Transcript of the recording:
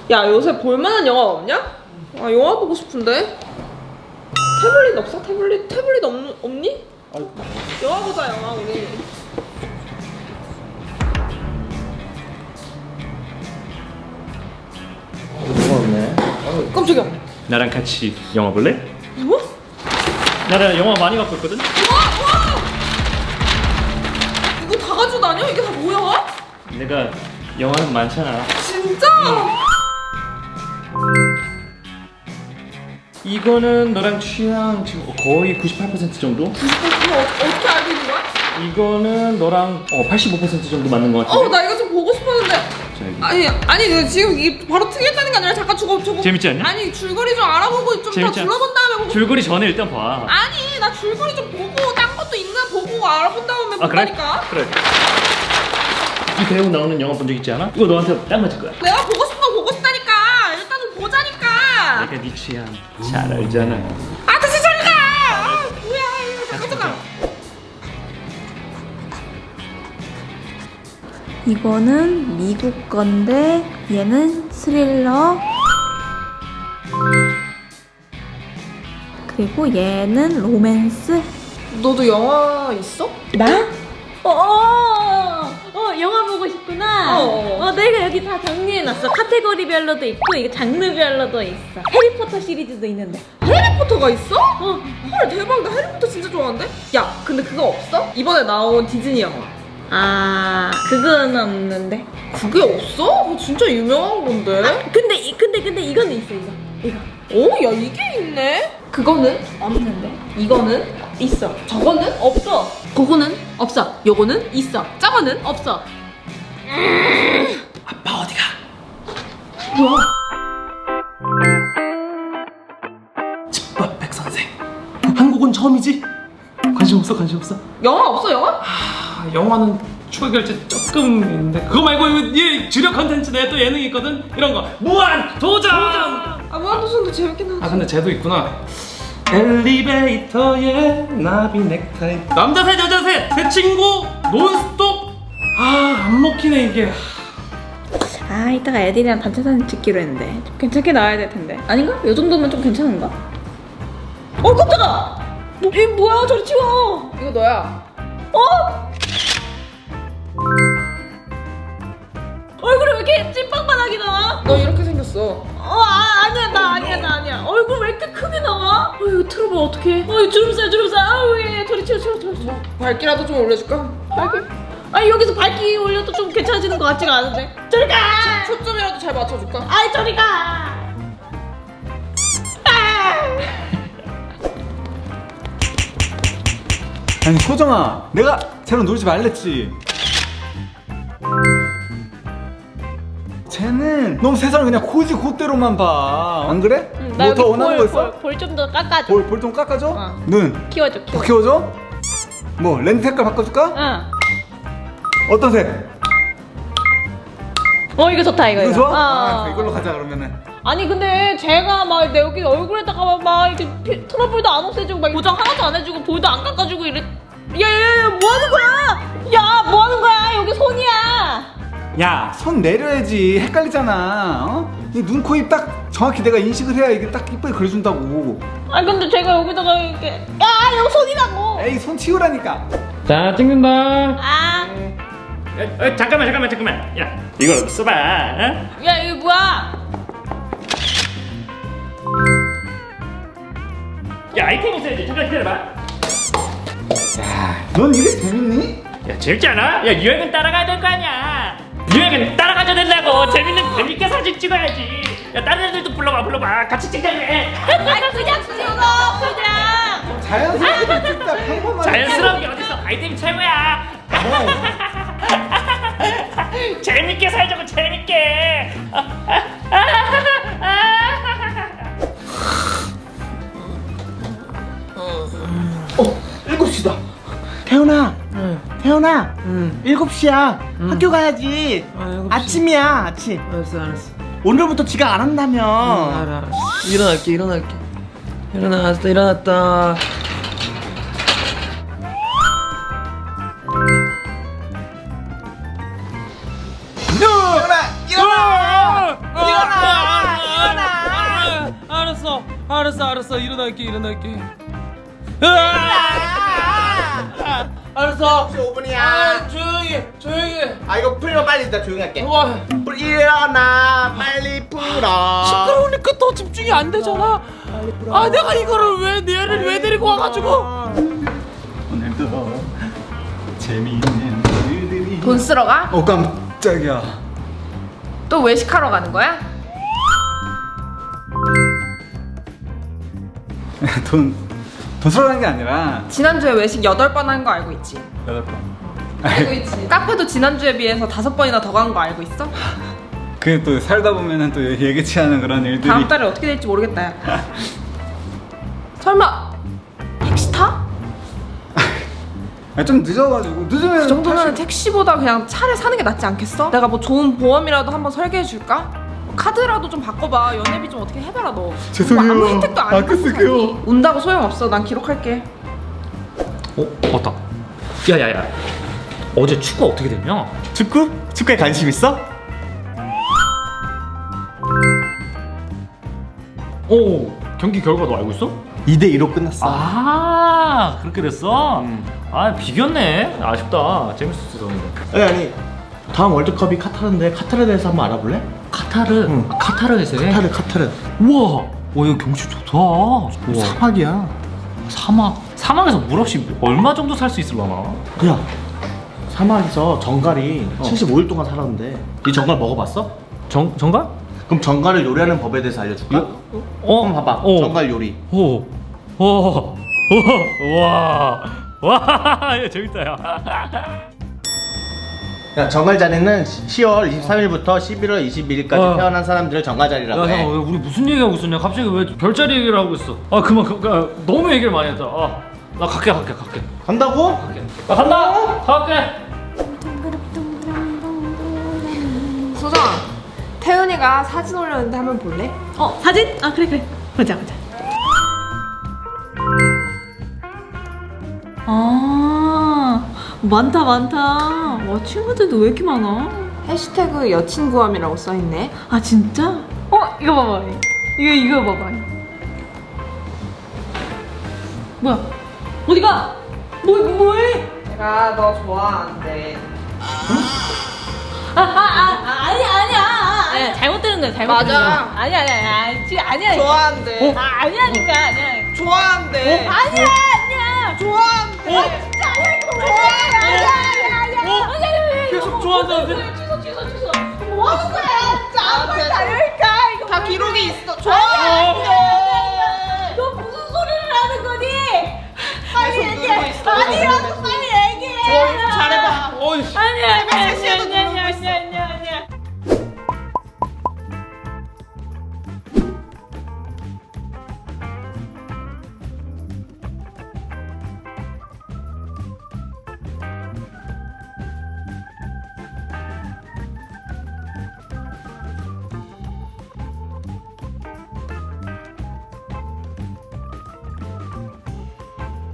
야, 요새 볼만한 영화 없냐? 아, 영화 보고 싶은데. 태블릿 없어? 태블릿 없니? 아이고. 영화 보자, 영화 우리. 누가 없네. 깜짝이야. 나랑 같이 영화 볼래? 뭐? 나랑 영화 많이 갖고 있거든? 와! 이거 다 가져다녀? 이게 다 뭐야? 내가 영화는 많잖아. 진짜? 이거는 너랑 취향 지금 거의 98% 정도? 이거 어떻게 알고 있는 거야? 이거는 너랑 85% 정도 맞는 것 같은데? 나 이거 좀 보고 싶었는데. 자, 여기. 아니 내가 지금 이게 바로 특이했다는 게 아니라 잠깐 저거 재밌지 않냐? 아니 줄거리 좀 알아보고 좀 더 재밌지 않- 둘러본 다음에 보고. 줄거리 전에 일단 봐. 아니 나 줄거리 좀 보고 딴 것도 있나 보고 알아본 다음에 아, 그래? 본다니까. 그래. 이 배우 나오는 영화 본 적 있지 않아? 이거 너한테 딱 맞을 거야. 내가 보고 싶은 거 보고 싶다니까. 일단은 보자니까. 내가 네 취향 잘 알잖아. 아 다시 저리 가. 아, 뭐야 이거 잠깐. 이거는 미국 건데 얘는 스릴러. 그리고 얘는 로맨스. 너도 영화 있어? 나? 영화 보고 싶구나. 내가 여기 다 정리해놨어. 카테고리별로도 있고 이거 장르별로도 있어. 해리포터 시리즈도 있는데. 해리포터가 있어? 헐 대박. 나 해리포터 진짜 좋아하는데? 야 근데 그거 없어? 이번에 나온 디즈니 영화. 아, 그건 없는데. 그게 없어? 그거 진짜 유명한 건데. 근데 이거는 있어. 이거. 야 이게 있네. 그거는 없는데. 이거는 있어. 저거는 없어. 그거는 없어. 요거는 있어. 저거는 없어. 아빠 어디가? 뭐야? 집밥 백선생. 한국은 처음이지? 관심 없어? 영화 없어 영화? 영화는 추가 결제 조금 있는데 그거 말고 얘 주력 컨텐츠네. 또 예능 있거든. 이런 거 무한 도전. 무한도전도 재밌긴 하지. 근데 쟤도 있구나. 엘리베이터에 나비 넥타이. 남자 셋 여자 셋 친구 논스톱. 안 먹히네 이게. 아, 이따가 애들이랑 단체 사진 찍기로 했는데 좀 괜찮게 나와야 될 텐데. 아닌가? 요 정도면 좀 괜찮은가? 깜짝아! 이 뭐야? 저리 치워! 이거 너야. 얼굴이 왜 이렇게 찐빵빵하게 나와? 너 이렇게 생겼어. 아니야, 나 아니야. 얼굴 왜 이렇게 크게 나와? 이거 틀어봐, 어떡해. 주름살. 얘. 저리 치워. 밝기라도 좀 올려줄까? 밝기? 여기서 밝기 올려도 좀 괜찮아지는 것 같지가 않은데. 저리 가! 초점이라도 잘 맞춰줄까? 저리 가! 아니 소정아, 내가 쟤랑 놀지 말랬지. 쟤는 너무 세상을 그냥 고지 곧대로만 봐. 안 그래? 뭐 더 원하는 거 있어? 볼 좀 더 깎아줘. 볼 좀 깎아줘? 눈 키워줘. 더 키워줘? 뭐 렌즈 색깔 바꿔줄까? 응. 어떤 색? 이거 좋다, 이거. 이거 좋아? 이걸로 가자 그러면은. 아니 근데 제가 막 내 여기 얼굴에다가 막 이렇게 트러블도 안 없애주고 막 보정 하나도 안 해주고 볼도 안 깎아주고 이래. 야야야, 뭐 하는 거야? 야, 뭐 하는 거야? 여기 손이야. 야, 손 내려야지. 헷갈리잖아. 이 눈, 코, 입 딱 정확히 내가 인식을 해야 이게 딱 이쁘게 그려준다고. 아니 근데 제가 여기다가 이렇게 여기 손이라고. 에이, 손 치우라니까. 자, 찍는다. 잠깐만. 야, 이걸 써봐. 어? 야, 이거 뭐야? 야, 아이템 있어야지. 잠깐 기다려봐. 넌 이게 재밌니? 야, 재밌지 않아? 야, 유행은 따라가야 될 거 아니야. 유행은 따라가야 된다고. 재밌게 사진 찍어야지. 야, 다른 애들도 불러봐. 같이 찍자고 해. 그냥 찍어, 그냥. 자연스럽게 찍자. 평범하게. 자연스러운 게 어딨어. 아이템이 최고야. 재밌게 살자고, 재밌게. 7시다. 태훈아, 태훈아, 7시야. 학교 가야지. 아침이야, 아침. 알았어. 오늘부터 지각 안 한다며. 알아. 일어날게. 일어났다. 태훈아, 일어나! 일어나! 알았어 일어날게. 알았어. 5분이야. 조용히. 아 이거 풀면 빨리 나 조용히 할게. 와. 일어나 빨리 풀어. 시끄러우니까 더 집중이 안 되잖아. 아 내가 이거를 왜 데리고 와가지고. 오늘도 재미있는 일들이. 돈 쓰러 가? 깜짝이야. 또 외식하러 가는 거야? 돈 쓰러 가는 게 아니라 지난주에 외식 8번 한 거 알고 있지? 8번. 알고 있지. 카페도 지난주에 비해서 5번이나 더 간 거 알고 있어? 그게 또 살다 보면은 또 예기치 않은 그런 일들이. 다음 달에 어떻게 될지 모르겠다 야. 설마 택시 타? 좀 늦어가지고 늦으면 그 정도면 택시보다 그냥 차를 사는 게 낫지 않겠어? 내가 뭐 좋은 보험이라도 한번 설계해 줄까? 카드라도 좀 바꿔봐. 연회비 좀 어떻게 해봐라 너. 죄송해요. 뭐 아무 혜택도 안 아껴 받고 쓸게요. 사니. 운다고 소용없어. 난 기록할게. 맞다. 야야야. 어제 축구 어떻게 됐냐? 축구? 축구에 관심 있어? 오 경기 결과 너 알고 있어? 2대2로 끝났어. 아 그렇게 됐어? 아 비겼네. 아쉽다. 재밌었어. 아니 다음 월드컵이 카타르인데 카타르에 대해서 한번 알아볼래? 카타르. 응. 카타르에서 해? 카타르. 우와. 와 여기 경치 좋다. 우와. 사막이야. 사막에서 물 없이 얼마 정도 살 수 있을라나? 야 사막에서 정갈이 75일 동안 살았는데 이 정갈 먹어봤어? 정갈? 그럼 정갈을 요리하는 법에 대해서 알려줄까? 한번 봐봐. 정갈 요리. 오. 와. 야, 재밌다 야. 야, 정갈 자리는 10월 23일부터 11월 22일까지 와. 태어난 사람들을 정갈 자리라고 야, 해. 잠깐 우리 무슨 얘기하고 있었냐? 갑자기 왜 별자리 얘기를 하고 있어? 아 그만 너무 얘기를 많이 했다. 나 갈게. 간다고? 나 간다. 갈게. 소정아, 태은이가 사진 올렸는데 한번 볼래? 사진? 아 그래 보자. 아 많다. 와 친구들도 왜 이렇게 많아? 해시태그 여친 구함이라고 써있네. 아 진짜? 이거 봐봐. 이거 봐봐. 뭐야? 어디가? 뭐해? 내가 너 좋아하는데. 아니야. 잘못 들은 거야. 잘못 맞아. 들은 거야. 아니야. 지금 아니야. 좋아한대. 아니라니까. 아니야. 좋아한대. 아니야. 좋아한대. 진짜 아니야. 계속 좋아한다는데? 취소. 뭐 하는 거야? 진짜 아무 말도 안 하니까. 이거 다 기록이 있어. 아니야. 좋아한대. 너 무슨 소리를 하는 거니? 계속 누르고 있어. 아니라고